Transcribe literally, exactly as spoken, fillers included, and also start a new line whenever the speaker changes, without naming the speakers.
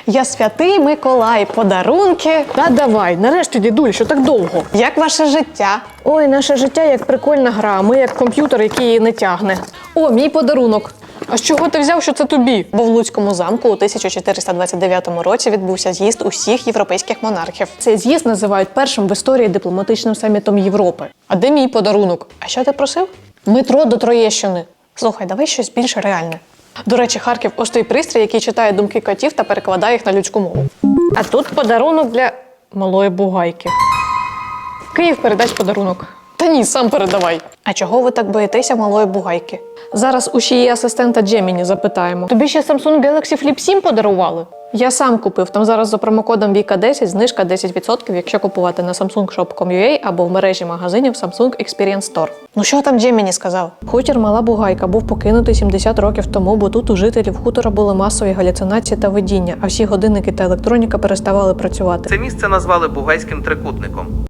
Я святий Миколай, подарунки.
Та давай, нарешті, дідуль, що так довго?
Як ваше життя?
Ой, наше життя як прикольна гра, ми як комп'ютер, який її не тягне.
О, мій подарунок.
А з чого ти взяв, що це тобі?
Бо в Луцькому замку у тисяча чотириста двадцять дев'ятому році відбувся з'їзд усіх європейських монархів.
Цей з'їзд називають першим в історії дипломатичним самітом Європи.
А де мій подарунок? А що ти просив? Метро до Троєщини. Слухай, давай щось більш реальне. До речі, Харків – ось той пристрій, який читає думки котів та перекладає їх на людську мову.
А тут подарунок для малої бугайки. Київ, передасть подарунок.
Та ні, сам передавай. А чого ви так боїтеся малої бугайки?
Зараз у її асистента Джеміні запитаємо. Тобі ще Samsung Galaxy Flip сім подарували? Я сам купив. Там зараз за промокодом Віка десять знижка десять відсотків, якщо купувати на самсунг шоп крапка ком крапка ю а або в мережі магазинів Samsung Experience Store.
Ну що там Джеміні сказав?
Хутір Мала Бугайка був покинутий сімдесят років тому, бо тут у жителів хутора були масові галюцинації та видіння, а всі годинники та електроніка переставали працювати.
Це місце назвали Бугайським трикутником.